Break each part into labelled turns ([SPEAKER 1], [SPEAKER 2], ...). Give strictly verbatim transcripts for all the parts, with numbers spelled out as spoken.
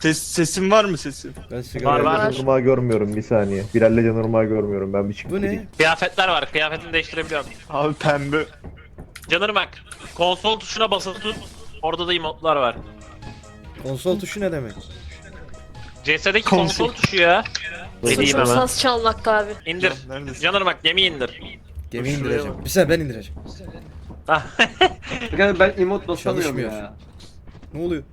[SPEAKER 1] Ses, sesin var mı sesin?
[SPEAKER 2] Ben sigara
[SPEAKER 3] Var, var.
[SPEAKER 2] yapıyorum.
[SPEAKER 4] Normal görmüyorum bir saniye. Bilal'le normal görmüyorum ben bir çıkıp
[SPEAKER 2] Bu
[SPEAKER 4] gideyim.
[SPEAKER 2] ne?
[SPEAKER 3] Kıyafetler var. Kıyafetini değiştirebiliyorum.
[SPEAKER 1] Abi pembe.
[SPEAKER 3] Canırım bak. Konsol tuşuna basılı tut. Orada da emotlar var.
[SPEAKER 2] Konsol tuşu ne demek?
[SPEAKER 3] C S'deki
[SPEAKER 1] Konsol.
[SPEAKER 3] konsol tuşu ya. Dediğim
[SPEAKER 5] Suçum
[SPEAKER 3] hemen.
[SPEAKER 5] saz çalmak abi.
[SPEAKER 3] İndir.
[SPEAKER 1] Neredesin?
[SPEAKER 3] Canırım bak gemi indir.
[SPEAKER 2] Gemi
[SPEAKER 1] Şuraya
[SPEAKER 2] indireceğim. Bir saniye ben indireceğim.
[SPEAKER 6] Yani ben emot basamıyorum
[SPEAKER 2] Çalışmıyor.
[SPEAKER 6] ya.
[SPEAKER 2] Ne oluyor?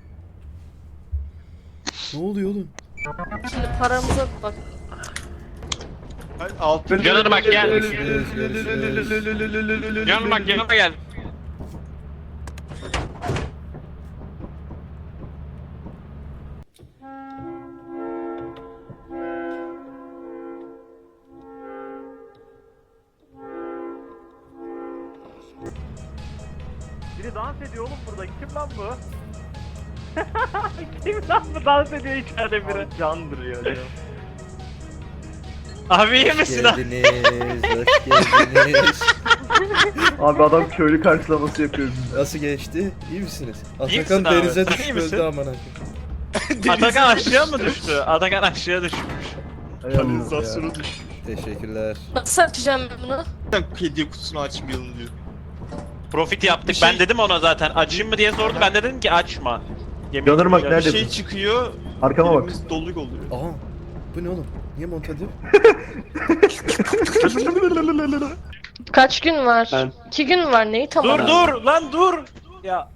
[SPEAKER 2] Ne oluyor oğlum?
[SPEAKER 5] Şimdi paramıza bak.
[SPEAKER 1] Hayır, altın.
[SPEAKER 3] Canırım bak gel.
[SPEAKER 2] Görüşürüz, görüşürüz.
[SPEAKER 3] Canırım bak yanıma gel. Biri dans ediyor oğlum burada. Kim lan bu? Kim lan bu dans ediyor içeride biri?
[SPEAKER 1] Candır ya. ya.
[SPEAKER 3] Abi iyi
[SPEAKER 2] Hoş
[SPEAKER 3] misin abi?
[SPEAKER 2] geldiniz, hoş geldiniz.
[SPEAKER 4] Abi adam köylü karşılaması yapıyor bize.
[SPEAKER 2] Nasıl geçti? İyi misiniz?
[SPEAKER 3] misin
[SPEAKER 2] Atakan
[SPEAKER 3] abi?
[SPEAKER 2] denize
[SPEAKER 3] Sen iyi
[SPEAKER 2] düştü
[SPEAKER 3] misin?
[SPEAKER 2] öldü aman akım.
[SPEAKER 3] Atakan aşağı mı düştü? Atakan aşağı düşmüş.
[SPEAKER 1] Kanalizasyonu düş.
[SPEAKER 2] Teşekkürler.
[SPEAKER 5] Nasıl açacağım ben bunu?
[SPEAKER 1] Sen hediye kutusunu açmayalım diyor.
[SPEAKER 3] Profit yaptık.
[SPEAKER 1] Bir şey-
[SPEAKER 3] Ben dedim ona zaten. Açayım mı diye sordu. Ben de dedim ki açma. Yemin
[SPEAKER 4] Canırım bak,
[SPEAKER 3] ediyorum.
[SPEAKER 1] Bir
[SPEAKER 4] nerede?
[SPEAKER 1] şey çıkıyor.
[SPEAKER 4] Arkama bak.
[SPEAKER 1] elimiz doluk oluyor.
[SPEAKER 2] Aha. Bu ne oğlum? Niye monte ediyor?
[SPEAKER 5] Kaç gün var?
[SPEAKER 6] Ben-
[SPEAKER 5] İki gün var neyi tam
[SPEAKER 3] Dur
[SPEAKER 5] olarak?
[SPEAKER 3] dur lan dur. Ya.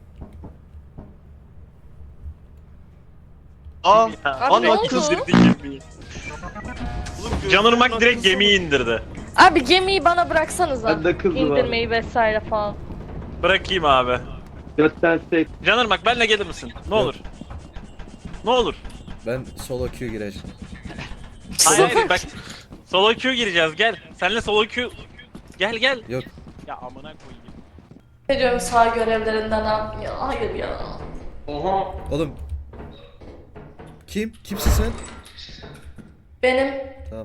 [SPEAKER 1] Aa.
[SPEAKER 5] Abi
[SPEAKER 1] Ana
[SPEAKER 5] ne oldu?
[SPEAKER 1] kız.
[SPEAKER 3] indirdi gemiyi. Canırmak direkt gemiyi indirdi.
[SPEAKER 5] Abi gemiyi bana bıraksanıza.
[SPEAKER 6] Bende kız var.
[SPEAKER 5] İndirmeyi vesaire falan.
[SPEAKER 3] Bırakayım abi.
[SPEAKER 6] Götten sek.
[SPEAKER 3] Canırmak benle gelir misin? Ne olur. Ne olur.
[SPEAKER 2] Ben solo queue gireceğim.
[SPEAKER 3] Hayır hayır bak. Solo queue gireceğiz gel. Senle solo queue. Gel gel.
[SPEAKER 2] Yok.
[SPEAKER 3] Ya amına koyayım.
[SPEAKER 5] Ne diyorum sağ görevlerinden abi ya hayır ya.
[SPEAKER 6] Oha.
[SPEAKER 2] Oğlum. Kim? Kimsin sen?
[SPEAKER 5] Benim
[SPEAKER 2] Tamam.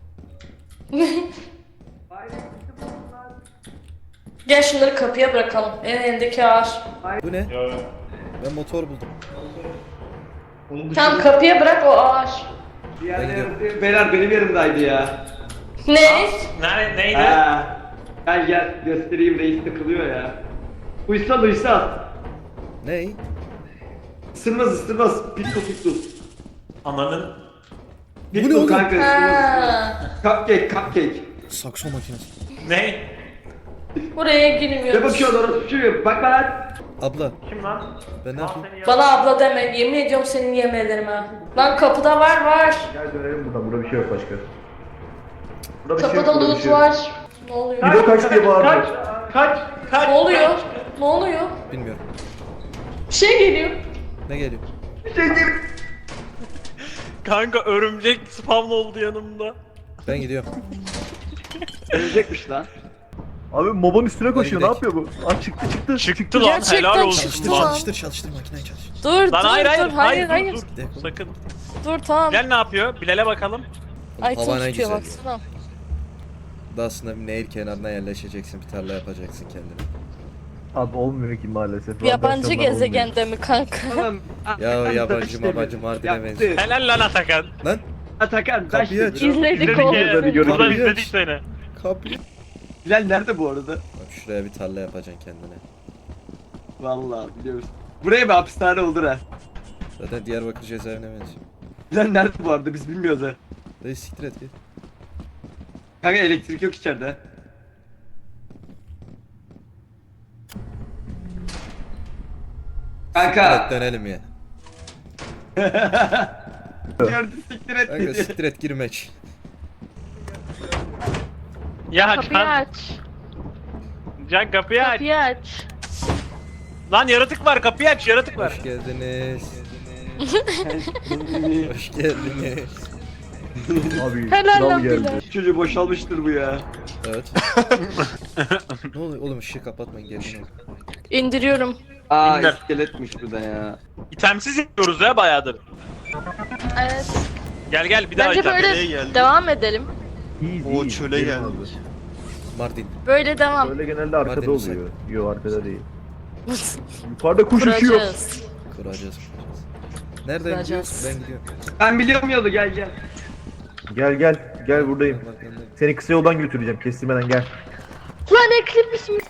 [SPEAKER 5] Gel şunları kapıya bırakalım. En elindeki ağaç.
[SPEAKER 2] Bu ne? Ben motor buldum.
[SPEAKER 5] Tamam kapıya bırak o ağaç.
[SPEAKER 6] Diğerleri beyler benim yerimdeydi ya.
[SPEAKER 5] Ne?
[SPEAKER 3] Nerede neydi?
[SPEAKER 6] Ha. Gel gel göstereyim, reis takılıyor ya. Uysal uysal.
[SPEAKER 2] Ney?
[SPEAKER 6] Isırmaz ısırmaz. Pitbull pitbull.
[SPEAKER 3] Ananın.
[SPEAKER 2] Bu ne
[SPEAKER 6] Pitbull
[SPEAKER 2] oğlum?
[SPEAKER 6] kanka ısırmaz.
[SPEAKER 5] Ha.
[SPEAKER 6] Cupcake cupcake.
[SPEAKER 2] Sakso makinesi.
[SPEAKER 3] Ne?
[SPEAKER 5] Buraya
[SPEAKER 6] Ne
[SPEAKER 5] girmiyoruz.
[SPEAKER 6] bakıyorsun orası şu? Bak lan.
[SPEAKER 2] Abla
[SPEAKER 3] Kim lan?
[SPEAKER 2] ben ne yapayım?
[SPEAKER 5] Bana abla deme. Yemin ediyorum senin yemelerime. Lan kapıda var var.
[SPEAKER 4] Gel dönelim buradan. Burada bir şey yok başka. Burada bir şey yok.
[SPEAKER 5] Kapıda
[SPEAKER 4] burada bir
[SPEAKER 5] loot
[SPEAKER 4] şey yok.
[SPEAKER 5] var. Ne oluyor?
[SPEAKER 4] Bir de kaç diye bağırıyor.
[SPEAKER 3] Kaç. Kaç.
[SPEAKER 5] Ne oluyor? Ne oluyor?
[SPEAKER 2] Bilmiyorum.
[SPEAKER 5] Bir şey geliyor.
[SPEAKER 2] Ne geliyor?
[SPEAKER 3] Kanka örümcek spawn oldu yanımda.
[SPEAKER 2] Ben gidiyorum.
[SPEAKER 6] Ölecekmiş lan.
[SPEAKER 4] Abi mobanın üstüne koşuyor. Ne
[SPEAKER 2] gidelim.
[SPEAKER 4] yapıyor bu? Aa çıktı çıktı.
[SPEAKER 3] Çıktı lan
[SPEAKER 5] Gerçekten
[SPEAKER 3] helal olsun.
[SPEAKER 5] çıktı
[SPEAKER 2] Çalıştır
[SPEAKER 5] lan.
[SPEAKER 2] çalıştır çalıştır makineyi çalıştır.
[SPEAKER 5] Dur
[SPEAKER 3] Lan
[SPEAKER 5] dur
[SPEAKER 3] hayır hayır
[SPEAKER 5] dur. Hayır hayır.
[SPEAKER 3] dur,
[SPEAKER 2] Gidelim.
[SPEAKER 3] dur. Sakın.
[SPEAKER 5] Dur tamam.
[SPEAKER 3] Bilal ne yapıyor? Bilal'e bakalım.
[SPEAKER 5] Ay
[SPEAKER 2] Hava
[SPEAKER 5] tutuyor
[SPEAKER 2] ne güzel.
[SPEAKER 5] baksana.
[SPEAKER 2] Daha aslında bir nehir kenarına yerleşeceksin, bir tarla yapacaksın kendine.
[SPEAKER 4] Abi olmuyor ki maalesef.
[SPEAKER 5] Yabancı
[SPEAKER 4] Radyasyondan olmuyor.
[SPEAKER 5] gezegende mi kanka?
[SPEAKER 6] Tamam.
[SPEAKER 2] Ya yabancı mabancı Mardin'e benziyor.
[SPEAKER 3] Helal lan Atakan.
[SPEAKER 2] Lan
[SPEAKER 6] Atakan ben
[SPEAKER 2] Kapıyı aç.
[SPEAKER 6] şimdi.
[SPEAKER 5] İzledik
[SPEAKER 3] İzledik
[SPEAKER 5] oğlum.
[SPEAKER 3] ya.
[SPEAKER 4] Hadi görüşürüz.
[SPEAKER 3] Buradan
[SPEAKER 2] Kapıyı
[SPEAKER 3] izledik
[SPEAKER 2] aç.
[SPEAKER 3] seni.
[SPEAKER 2] kapıyı.
[SPEAKER 6] Bilal nerede bu arada?
[SPEAKER 2] Bak şuraya bir tarla yapacaksın kendine.
[SPEAKER 6] Vallahi biliyoruz. Buraya bir hapishane olur ha.
[SPEAKER 2] Zaten Diyarbakır cezaevine benziyor.
[SPEAKER 6] Bilal nerede bu arada biz bilmiyoruz ha.
[SPEAKER 2] Dayı siktir et git.
[SPEAKER 6] Kanka elektrik yok içeride.
[SPEAKER 2] Evet
[SPEAKER 6] Kanka.
[SPEAKER 2] dönelim ya.
[SPEAKER 6] Gördü siktir et
[SPEAKER 2] Kanka
[SPEAKER 6] dedi.
[SPEAKER 2] siktir et girmek.
[SPEAKER 3] Ya
[SPEAKER 5] Kapıyı
[SPEAKER 3] Can,
[SPEAKER 5] aç.
[SPEAKER 3] Can kapıyı aç.
[SPEAKER 5] Kapıyı aç.
[SPEAKER 3] Lan yaratık var kapıyı aç yaratık var.
[SPEAKER 2] Hoş geldiniz. Hoş geldiniz.
[SPEAKER 4] Abi
[SPEAKER 5] Helal
[SPEAKER 4] kral
[SPEAKER 5] lan
[SPEAKER 4] geldi.
[SPEAKER 5] Bilal.
[SPEAKER 6] Çocuğu boşalmıştır bu ya.
[SPEAKER 2] Evet. Ne oluyor oğlum ışığı kapatmayın gelin.
[SPEAKER 5] İndiriyorum.
[SPEAKER 6] Aa
[SPEAKER 3] İndir.
[SPEAKER 6] iskeletmiş bu da ya.
[SPEAKER 3] İtemsiz yapıyoruz ya bayağıdır.
[SPEAKER 5] Evet.
[SPEAKER 3] Gel gel bir daha
[SPEAKER 5] Bence
[SPEAKER 3] item.
[SPEAKER 5] böyle
[SPEAKER 1] nereye geldi?
[SPEAKER 5] devam edelim.
[SPEAKER 4] İyi,
[SPEAKER 1] O
[SPEAKER 4] iyi.
[SPEAKER 1] çöle
[SPEAKER 4] Gelin
[SPEAKER 1] geldi.
[SPEAKER 4] abi.
[SPEAKER 2] Mardin.
[SPEAKER 5] Böyle devam.
[SPEAKER 4] Böyle genelde arkada
[SPEAKER 2] Madem
[SPEAKER 4] oluyor. Yok arkada değil. Yukarıda kuş uçuyor.
[SPEAKER 5] Kuracağız.
[SPEAKER 2] Kuracağız kuracağız. Nereden
[SPEAKER 5] Bakacağız.
[SPEAKER 2] gidiyorsun? Ben gidiyorum.
[SPEAKER 6] Ben biliyorum yolu, gel gel.
[SPEAKER 4] Gel gel gel buradayım.
[SPEAKER 2] Bak, ben de-
[SPEAKER 4] Seni kısa yoldan götüreceğim kestirmeden gel.
[SPEAKER 5] Lan eklipmiş mi?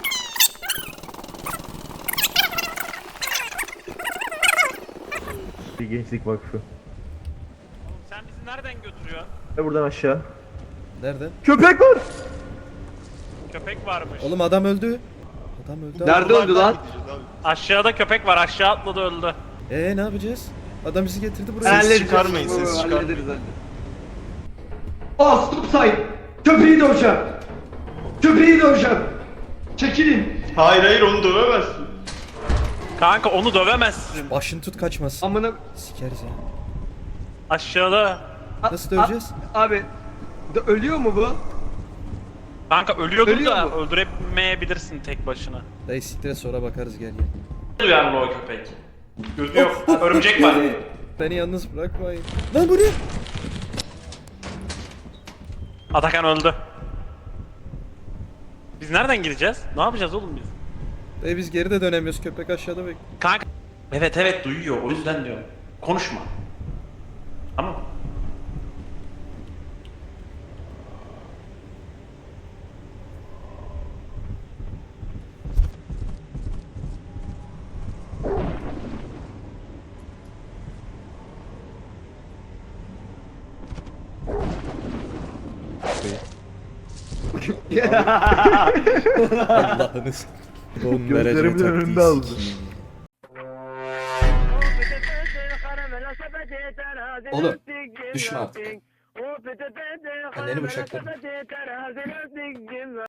[SPEAKER 4] Bir Gençlik Vakfı.
[SPEAKER 3] Sen bizi nereden götürüyorsun?
[SPEAKER 4] Ve buradan aşağı.
[SPEAKER 2] Nereden?
[SPEAKER 4] Köpek var.
[SPEAKER 3] Köpek varmış.
[SPEAKER 2] Oğlum adam öldü. Adam öldü.
[SPEAKER 6] Nerede öldü lan?
[SPEAKER 1] Gideceğiz abi.
[SPEAKER 3] Aşağıda köpek var, aşağı atladı öldü.
[SPEAKER 2] Eee ne yapacağız? Adam bizi getirdi buraya.
[SPEAKER 1] Ses
[SPEAKER 6] Halledeceğiz.
[SPEAKER 1] çıkarmayın, ses
[SPEAKER 6] Oo,
[SPEAKER 1] çıkarmayın.
[SPEAKER 6] hallederiz, hallederiz. Aa stop sign. Köpeği döveceğim. Köpeği döveceğim. Çekilin.
[SPEAKER 1] Hayır hayır onu dövemezsin.
[SPEAKER 3] Kanka onu dövemezsin.
[SPEAKER 2] Başını tut kaçmasın.
[SPEAKER 6] Amına.
[SPEAKER 2] Sikeriz ya.
[SPEAKER 3] Aşağıda.
[SPEAKER 6] A-
[SPEAKER 2] Nasıl döveceğiz?
[SPEAKER 6] a- Abi. de- ölüyor mu bu?
[SPEAKER 3] Kanka ölüyordur
[SPEAKER 6] Ölüyor
[SPEAKER 3] da
[SPEAKER 6] mu?
[SPEAKER 3] öldüremeyebilirsin tek başına.
[SPEAKER 2] Dayı siktir sonra bakarız gel gel.
[SPEAKER 3] Duyarlı o köpek. Gözü yok. Örümcek var.
[SPEAKER 2] Beni yalnız bırakmayın. Lan bu ne?
[SPEAKER 3] Atakan öldü. Biz nereden gideceğiz? Ne yapacağız oğlum biz?
[SPEAKER 2] Dayı biz geri de dönemiyoruz. Köpek aşağıda bek.
[SPEAKER 3] Kanka. Evet evet duyuyor o yüzden diyorum. Konuşma. Tamam.
[SPEAKER 2] Allah'ınız. Don
[SPEAKER 4] Gözlerimin önünde aldı.
[SPEAKER 2] Oğlum düşme artık. Anneni bıçakladım.